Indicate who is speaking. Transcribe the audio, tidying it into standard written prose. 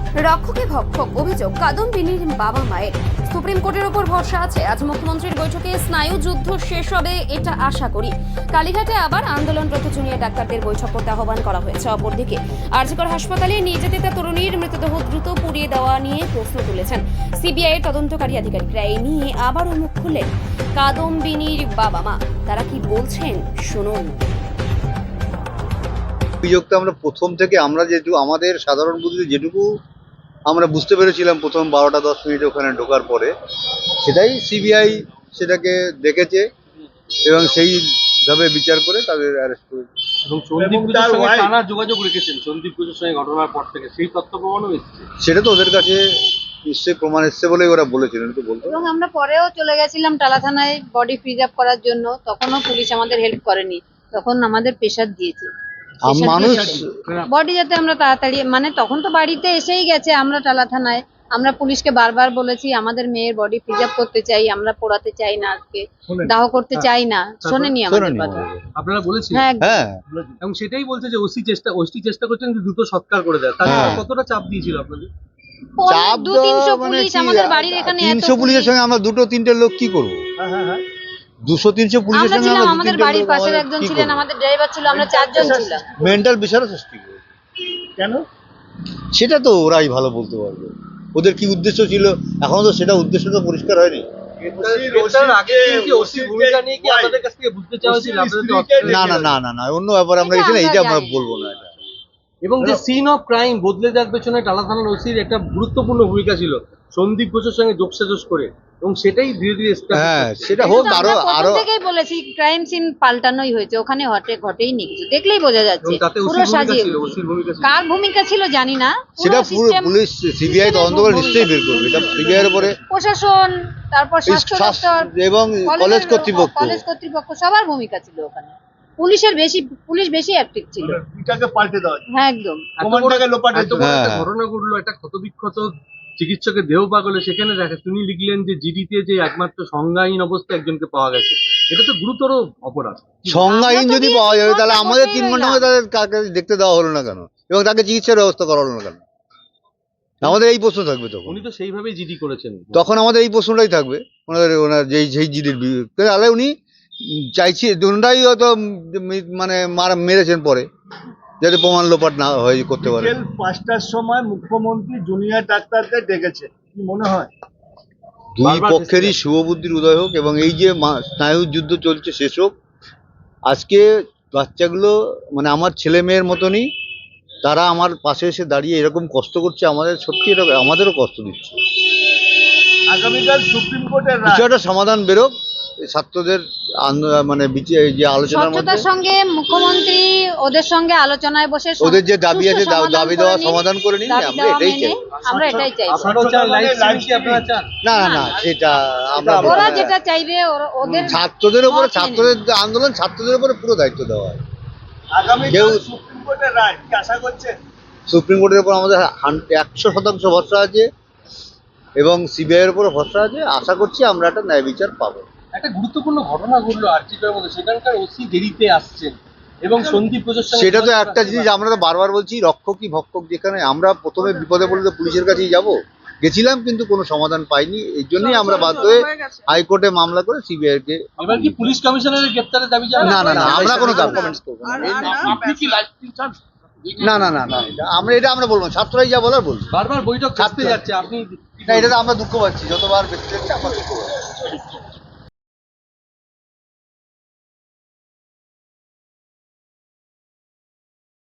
Speaker 1: রক্ষকে ভক্ষক অভিযোগ কাদম্বিনীর বাবা মায়ের। সুপ্রিম কোর্টের ওপর ভরসা আছে। আজ মুখ্যমন্ত্রীর বৈঠকে স্নায়ু যুদ্ধ শেষ হবে এটা আশা করি। কালীঘাটে আবার আন্দোলনরত জুনিয়র ডাক্তারদের বৈঠক করতে আহ্বান করা হয়েছে। অপরদিকে আরজিকর হাসপাতালে নির্যাতিতা তরুণীর মৃতদেহ দ্রুত পুড়িয়ে দেওয়া নিয়ে প্রশ্ন তুলেছেন সিবিআই এর তদন্তকারী আধিকারিকরা। এই নিয়ে আবারও মুখ খুললেন কাদম্বিনীর বাবা মা। তারা কি বলছেন শুনুন।
Speaker 2: অভিযোগটা আমরা প্রথম থেকে আমরা যেটুকু আমাদের সাধারণ বুদ্ধিতে যেটুকু আমরা বুঝতে পেরেছিলাম প্রথম 12টা 10 মিনিট ওখানে ঢোকার পরে, সেটাই সিবিআই সেটাকে দেখেছে এবং সেইভাবে বিচার করে তাদের অ্যারেস্ট করেছে।
Speaker 3: এবং সন্দীপ ঘোষের সঙ্গে টানা যোগাযোগ রেখেছেন সন্দীপ ঘোষের সঙ্গে ঘটনার পর থেকে, সেই তথ্য প্রমাণও এসেছে।
Speaker 2: সেটা তো ওদের কাছে নিশ্চয়ই প্রমাণ এসছে বলেই ওরা বলেছিলেন, তো বলতো।
Speaker 4: এবং আমরা পরেও চলে গেছিলাম টালা থানায় বডি প্রিজার্ভ করার জন্য, তখনও পুলিশ আমাদের হেল্প করেনি, তখন আমাদের প্রেশার দিয়েছে
Speaker 2: মানুষ
Speaker 4: বডি যাতে আমরা তাড়াতাড়ি, মানে তখন তো বাড়িতে এসেই গেছে। আমরা টালা থানায় আমরা পুলিশকে বারবার বলেছি আমাদের মেয়ের বডি প্রিজার্ভ করতে চাই, আমরা পোড়াতে চাই না, আজকে দাহ করতে চাই না, শোনেনি আমাদের কথা।
Speaker 3: আপনারা বলেছেন?
Speaker 4: হ্যাঁ,
Speaker 2: হ্যাঁ,
Speaker 3: এবং সেটাই বলছে যে ওসি চেষ্টা করছেন যে দ্রুত সৎকার করে দেয়। তাহলে কতটা চাপ দিয়েছিল আপনাদের?
Speaker 2: চাপ
Speaker 4: 200-300 পুলিশ আমাদের বাড়ির এখানে,
Speaker 2: 300 পুলিশের সঙ্গে আমরা 2-3টে লোক কি করবো? 200-300 পুলিশের
Speaker 4: আমরা
Speaker 2: সঙ্গে
Speaker 4: ছিলাম,
Speaker 2: আমরা
Speaker 4: আমাদের বাড়ির পাশের একজন ছিলেন, আমাদের ড্রাইভার ছিল, আমরা 4 জন ছিলাম।
Speaker 2: মেন্টাল প্রেশারও সৃষ্টি করে।
Speaker 3: কেন?
Speaker 2: সেটা তো ওরাই ভালো বলতে পারবে ওদের কি উদ্দেশ্য ছিল। এখনো তো সেটা উদ্দেশ্য তো পরিষ্কার হয়নি। না না না না না অন্য ব্যাপারে আমরা এসে এইটা আমরা বলবো না। এটা
Speaker 3: এবং যে সিন অফ ক্রাইম বদলে যাওয়ার পেছনে টালা থানার ওসির একটা গুরুত্বপূর্ণ ভূমিকা ছিল সন্দীপ ঘোষের সঙ্গে যোগসাজশ করে, এবং সেটাই ধীরে ধীরে
Speaker 2: হ্যাঁ সেটা হোক। আরো আরো
Speaker 4: থেকেই বলেছি ক্রাইম সিন পাল্টানোই হয়েছে, ওখানে ঘটেই নি কিছু, দেখলেই বোঝা যাচ্ছে পুরো সাজিয়ে। কার ভূমিকা ছিল জানি না,
Speaker 2: সেটা পুরো পুলিশ সিবিআই তদন্ত করে নিশ্চয়ই বের করবে। এটা সিবিআই এর উপরে
Speaker 4: প্রশাসন, তারপর স্বাস্থ্য দপ্তর
Speaker 2: এবং কলেজ
Speaker 4: কর্তৃপক্ষ সবার ভূমিকা ছিল ওখানে। পুলিশ বেশি অ্যাক্টিভ ছিল।
Speaker 5: এটাকে পাল্টে দেওয়া,
Speaker 4: হ্যাঁ একদম।
Speaker 3: ঘটনা ঘটলো, একটা ক্ষতবিক্ষত চিকিৎসকের দেহ পাগলে, সেখানে দেখা তিনি লিখলেন যে জিডিতে যে একমাত্র সংজ্ঞাহীন অবস্থায় একজনকে পাওয়া গেছে। এটা তো গুরুতর অপরাধ।
Speaker 2: সংজ্ঞাহীন যদি পাওয়া যাবে তাহলে আমাদের 3 ঘন্টা তাদের কাকে দেখতে দেওয়া হলো না কেন, এবং তাকে চিকিৎসার ব্যবস্থা করা হলো না কেন? আমাদের এই প্রশ্ন থাকবে তখন।
Speaker 3: উনি তো সেইভাবেই জিডি করেছেন,
Speaker 2: তখন আমাদের এই প্রশ্নটাই থাকবে ওনার যেই জিডির বিরুদ্ধে। তাহলে উনি চাইছি ওনারাই হয়তো মানে মেরেছেন পরে, যাতে প্রমাণ লোপাট না হয় করতে পারে।
Speaker 5: 5টার সময় মুখ্যমন্ত্রী জুনিয়র ডাক্তারদের ডেকেছে, কি মনে হয়?
Speaker 2: দুই পক্ষেরই শুভবুদ্ধির উদয় হোক এবং এই যে স্নায়ু যুদ্ধ চলছে শেষ হোক। আজকে বাচ্চাগুলো মানে আমার ছেলে মেয়ের মতনই, তারা আমার পাশে এসে দাঁড়িয়ে এরকম কষ্ট করছে, আমাদের সত্যি এরকম আমাদেরও কষ্ট দিচ্ছে।
Speaker 5: আগামীকাল সুপ্রিম কোর্টের
Speaker 2: কিছু একটা সমাধান বেরোক ছাত্রদের মানে যে আলোচনার মধ্যে।
Speaker 4: সঙ্গে মুখ্যমন্ত্রী ওদের সঙ্গে আলোচনায় বসে
Speaker 2: ওদের যে দাবি আছে দাবি দেওয়া সমাধান করে নিন।
Speaker 4: আমরা এটাই চাই।
Speaker 2: না না না সেটা আমরা
Speaker 4: ওরা যেটা চাইবে ওদের
Speaker 2: ছাত্রদের উপরে, ছাত্রদের আন্দোলন ছাত্রদের উপরে পুরো দায়িত্ব দেওয়া হয়।
Speaker 5: আগামীকাল সুপ্রিম কোর্টের রায় কি আশা করছেন?
Speaker 2: সুপ্রিম কোর্টের উপর আমাদের 100% ভরসা আছে এবং সিবিআই এর উপর ভরসা আছে। আশা করছি আমরা একটা ন্যায় বিচার পাবো।
Speaker 3: একটা গুরুত্বপূর্ণ ঘটনা ঘটলো আরজিকরের মধ্যে, সেখানকার ওসি দেরিতে আসছেন এবং সন্দীপ ঘোষের সঙ্গে।
Speaker 2: সেটা তো একটা জিনিস আমরা তো বারবার বলছি, রক্ষকই ভক্ষক। যেখানে আমরা প্রথমে বিপদে পড়লে তো পুলিশের কাছেই গেছিলাম, কিন্তু কোনো সমাধান পাইনি। এই জন্যই আমরা বাধ্য হয়ে হাইকোর্টে মামলা করে সিবিআই কে।
Speaker 3: এবার কি পুলিশ কমিশনারের গ্রেপ্তারের দাবি জানাবেন?
Speaker 2: না না না আমরা কোনো কমেন্টস করব না। না না না না এটা আমরা বলবো, ছাত্ররাই যা বলার বলবো।
Speaker 3: বারবার বৈঠক ছাড়তে যাচ্ছে, আপনি
Speaker 2: না, এটা আমরা দুঃখ পাচ্ছি, যতবার ব্যক্তি যাচ্ছে আমরা দুঃখ পাচ্ছি।